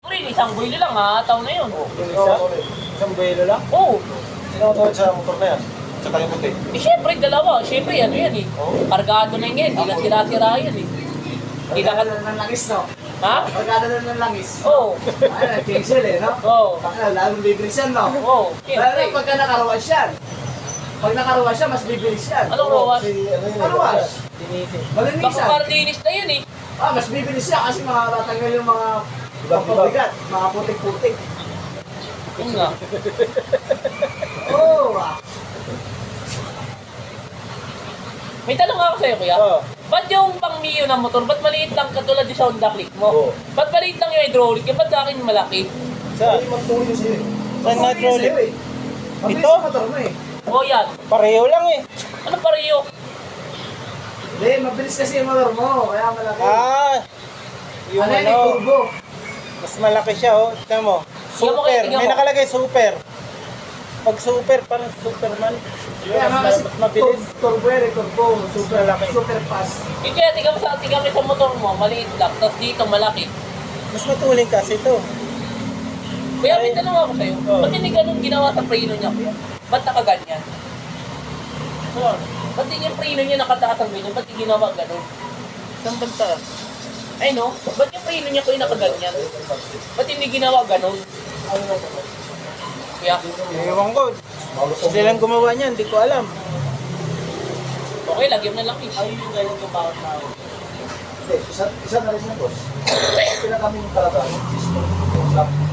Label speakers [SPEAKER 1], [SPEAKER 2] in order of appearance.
[SPEAKER 1] Isang buwilo lang ha, taon na yun.
[SPEAKER 2] Isang buwelo lang?
[SPEAKER 1] Oo.
[SPEAKER 2] Sino tawag sa motor na yan? Sa tayo puti.
[SPEAKER 1] Eh syempre, dalawa. Syempre, ano yan eh. Kargado na yan. Hindi na tira-tira yan eh. Hindi na
[SPEAKER 3] Pagkada ng langis, no?
[SPEAKER 1] Ha?
[SPEAKER 3] Pagkada ng langis.
[SPEAKER 1] Oo.
[SPEAKER 3] Ay, nag-cancel eh, no?
[SPEAKER 1] Oo.
[SPEAKER 3] Bakit, lalong bibilis yan, no?
[SPEAKER 1] Oo.
[SPEAKER 3] Pero
[SPEAKER 1] Syempre.
[SPEAKER 3] pagka nakaruwas yan, pag nakaruwas siya, mas bibilis yan.
[SPEAKER 1] Anong rawas?
[SPEAKER 3] Karuwas.
[SPEAKER 1] Baka
[SPEAKER 3] Malinisan.
[SPEAKER 1] parlinis na yun eh.
[SPEAKER 3] Mas bibilis yan kasi makatatanggal yung mga papabigat, mga putik-putik.
[SPEAKER 1] Yun nga.
[SPEAKER 3] Oo,
[SPEAKER 1] May tanong ako sa'yo, kuya.
[SPEAKER 2] Oo.
[SPEAKER 1] Ba't yung pang Mio na motor, ba't maliit lang katulad yung sa Honda Click mo?
[SPEAKER 2] Oo.
[SPEAKER 1] Ba't maliit lang yung hydraulic? Ba't sa akin malaki?
[SPEAKER 2] Sa?
[SPEAKER 3] magtuloy sa'yo.
[SPEAKER 2] Saan nga trolley?
[SPEAKER 3] Mabilis
[SPEAKER 2] Ito?
[SPEAKER 3] yung motor mo eh.
[SPEAKER 1] O yan.
[SPEAKER 2] Pareho lang eh.
[SPEAKER 1] Ano pareho?
[SPEAKER 3] Hindi, mabilis kasi yung motor mo, kaya malaki.
[SPEAKER 2] Yung
[SPEAKER 3] Ano yan, turbo.
[SPEAKER 2] mas malaki siya oh. Tignan mo.
[SPEAKER 1] Tingnan mo,
[SPEAKER 2] Super.
[SPEAKER 1] tingnan
[SPEAKER 2] May
[SPEAKER 1] mo.
[SPEAKER 2] nakalagay super. Pag super, parang Superman.
[SPEAKER 3] Kaya nga kasi
[SPEAKER 2] mas mabilis.
[SPEAKER 3] turbo yan, turbo. Super
[SPEAKER 2] Malaki.
[SPEAKER 3] super fast.
[SPEAKER 1] Yung kaya, tingnan mo sa motor mo, maliit lang. Tapos dito, malaki.
[SPEAKER 2] Mas matuling kasi ito.
[SPEAKER 1] Kuya, may tanong ako sa'yo.
[SPEAKER 2] Oo.
[SPEAKER 1] Ba't hindi ganun ginawa sa preno niya, kuya? Ba't nakaganyan? Ba't hindi yung preno niya nakataas ang ganyan? Ba't hindi ginawa ganun?
[SPEAKER 2] Saan banta?
[SPEAKER 1] Ay no, ba't yung preno niya kuya nakaganyan? Ba't hindi ginawa ganun? Kuya,
[SPEAKER 2] Ewan ko. Sila lang gumawa niyan, hindi ko alam.
[SPEAKER 1] okay, lagyan mo na lang eh.
[SPEAKER 3] Yung ganyan yung bawat tao. Hindi, isa na rin siya, boss. Sila kami yung talaga, yung system, yung